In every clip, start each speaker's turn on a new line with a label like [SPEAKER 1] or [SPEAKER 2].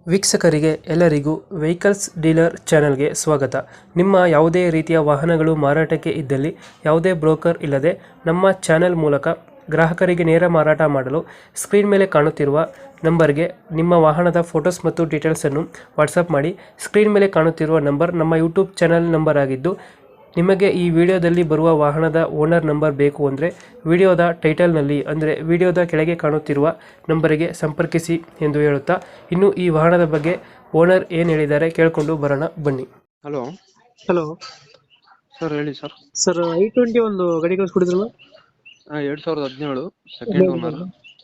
[SPEAKER 1] ವೀಕ್ಷಕರಿಗೆ ಎಲ್ಲರಿಗೂ vehicles dealer ಚಾನೆಲ್ಗೆ ಸ್ವಾಗತ. ನಿಮ್ಮ ಯಾವುದೇ ರೀತಿಯ ವಾಹನಗಳು ಮಾರಾಟಕ್ಕೆ ಇದ್ದಲ್ಲಿ ಯಾವುದೇ ಬ್ರೋಕರ್ ಇಲ್ಲದೆ ನಮ್ಮ ಚಾನೆಲ್ ಮೂಲಕ ಗ್ರಾಹಕರಿಗೆ ನೇರ ಮಾರಾಟ ಮಾಡಲು ಸ್ಕ್ರೀನ್ ಮೇಲೆ ಕಾಣುತ್ತಿರುವ ನಂಬರ್ಗೆ ನಿಮ್ಮ ವಾಹನದ ಫೋಟೋಸ್ ಮತ್ತು ಡೀಟೇಲ್ಸನ್ನು ವಾಟ್ಸಪ್ ಮಾಡಿ. ಸ್ಕ್ರೀನ್ ಮೇಲೆ ಕಾಣುತ್ತಿರುವ ನಂಬರ್ ನಮ್ಮ ಯೂಟ್ಯೂಬ್ ಚಾನೆಲ್ ನಂಬರ್ ಆಗಿದ್ದು, ನಿಮಗೆ ಈ ವಿಡಿಯೋದಲ್ಲಿ ಬರುವ ವಾಹನದ ಓನರ್ ನಂಬರ್ ಬೇಕು ಅಂದರೆ ವಿಡಿಯೋದ ಟೈಟಲ್ನಲ್ಲಿ ಅಂದರೆ ವಿಡಿಯೋದ ಕೆಳಗೆ ಕಾಣುತ್ತಿರುವ ನಂಬರಿಗೆ ಸಂಪರ್ಕಿಸಿ ಎಂದು ಹೇಳುತ್ತಾ, ಇನ್ನು ಈ ವಾಹನದ ಬಗ್ಗೆ ಓನರ್ ಏನು ಹೇಳಿದ್ದಾರೆ ಕೇಳಿಕೊಂಡು ಬರೋಣ ಬನ್ನಿ.
[SPEAKER 2] ಹಲೋ
[SPEAKER 1] ಹಲೋ
[SPEAKER 2] ಸರ್, ಹೇಳಿ ಸರ್.
[SPEAKER 1] ಸರ್, i20 ಒಂದು ಗಾಡಿ ಕಳಿಸ್ಕೊಡಿದ್ರಲ್ಲ,
[SPEAKER 2] 2017 second owner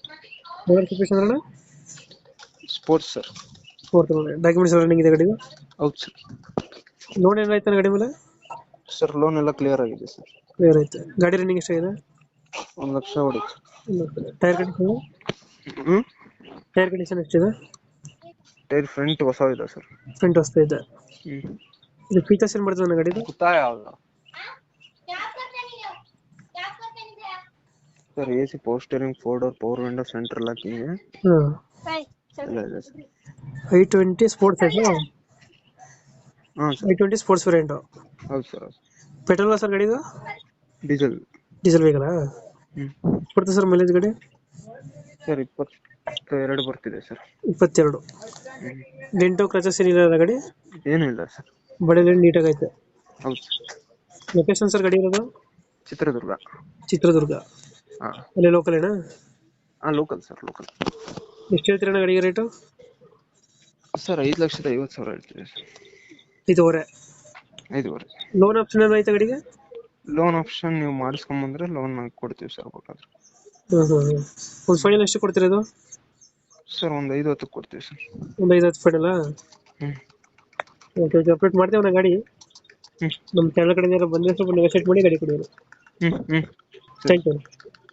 [SPEAKER 2] sports sir.
[SPEAKER 1] Documents running ಇದೆ ಗಾಡಿದು?
[SPEAKER 2] ಹೌದು ಸರ್.
[SPEAKER 1] ಲೋನ್ ಏನಾಯ್ತಾನೆ ಗಾಡಿ ಮೇಲೆ?
[SPEAKER 2] ಸರ್, ಲೋನ್ ಎಲ್ಲ ಕ್ಲಿಯರ್ ಆಗಿದೆ ಸರ್.
[SPEAKER 1] ಕ್ಲಿಯರ್ ಐತೆ. ಗಾಡಿ ರನ್ನಿಂಗ್ ಎಷ್ಟಾಗಿದೆ?
[SPEAKER 2] 1,00,000 ಹೊಡಿತು.
[SPEAKER 1] Tyre condition?
[SPEAKER 2] ಹ್ಮ್
[SPEAKER 1] ಟೈರ್ ಕಂಡೀಷನ್ ಎಷ್ಟಿದೆ?
[SPEAKER 2] ಟೈರ್ ಫ್ರಂಟ್ ಹೊಸ ಇದೆ ಸರ್.
[SPEAKER 1] ಫ್ರಂಟ್ ಹೊಸ್ತಾ ಇದೆ. ಇದು ಫೀಚರ್ಸ್ ಏನು ಬರ್ತದೆ ನನ್ನ ಗಾಡಿದು?
[SPEAKER 2] Sir, AC power steering, 4 door power window, central locking
[SPEAKER 1] ಹಾಂ.
[SPEAKER 2] ಎಲ್ಲ ಇದೆ ಸರ್.
[SPEAKER 1] i20 ಸ್ಪೋರ್ಟ್ಸ್ ಐತೆ?
[SPEAKER 2] ಹಾಂ ಸರ್.
[SPEAKER 1] i20 sports variant?
[SPEAKER 2] ಹೌದು ಸರ್.
[SPEAKER 1] ಪೆಟ್ರೋಲ್ ಸರ್ ಗಾಡಿದು?
[SPEAKER 2] ಡೀಸೆಲ್.
[SPEAKER 1] ಡೀಸೆಲ್ ವೆಹಿಕಲಾ? ಕೊಡ್ತದೆ ಸರ್ ಮೈಲೇಜ್ ಗಾಡಿ?
[SPEAKER 2] ಸರ್, 22 ಬರ್ತಿದೆ ಸರ್.
[SPEAKER 1] 22. ಡೆಂಟು ಕ್ರಚಸ್ ಏನಿಲ್ಲ ಗಾಡಿ?
[SPEAKER 2] ಏನೂ ಇಲ್ಲ ಸರ್.
[SPEAKER 1] ಬಡಲಿ ನೀಟಾಗೈತೆ.
[SPEAKER 2] ಹೌದು ಸರ್.
[SPEAKER 1] ಲೊಕೇಶನ್ ಸರ್ ಗಾಡಿ ಇರೋದು?
[SPEAKER 2] ಚಿತ್ರದುರ್ಗ.
[SPEAKER 1] ಚಿತ್ರದುರ್ಗ.
[SPEAKER 2] ಹಾಂ.
[SPEAKER 1] ಅಲ್ಲೇ ಲೋಕಲ್ ಏನಾ?
[SPEAKER 2] ಹಾಂ, ಲೋಕಲ್ ಸರ್, ಲೋಕಲ್.
[SPEAKER 1] ಎಷ್ಟು ಹೇಳ್ತೀರಣ್ಣ ಗಾಡಿಗೆ ರೇಟು?
[SPEAKER 2] ಸರ್, 5,50,000 ಹೇಳ್ತೀವಿ ಸರ್.
[SPEAKER 1] 5.5.
[SPEAKER 2] 5.5.
[SPEAKER 1] ಲೋನ್ ಆಪ್ಷನ್ ಏನು ಐತೆ ಗಾಡಿಗೆ?
[SPEAKER 2] ಲೋನ್ ಆಪ್ಷನ್ ನೀವು ಮಾಡಿಸ್ಕೊಂಬಂದ್ರೆ ಲೋನ್ ಕೊಡ್ತೀವಿ ಸರ್ ಬೇಕಾದ್ರೆ.
[SPEAKER 1] ಒಂದು ಫೈನಲ್ ಎಷ್ಟು ಕೊಡ್ತೀರಾ ಇದು?
[SPEAKER 2] ಸರ್, ಒಂದು 5,10 ಕೊಡ್ತೀವಿ ಸರ್.
[SPEAKER 1] ಒಂದು 5-10 ಫೈನಲ್ಲ? ಓಕೆ ಓಕೆ, ಅಪ್ಡೇಟ್ ಮಾಡ್ತೇವೆ ನಾ ಗಾಡಿ. ನಮ್ಮ ಚಾನಲ್ ಕಡೆಯಿಂದ ಬಂದರೆ ಸ್ವಲ್ಪ ನೆಗೋಷಿಯೇಟ್ ಮಾಡಿ ಗಾಡಿ ಕೊಡಿ. Thank you.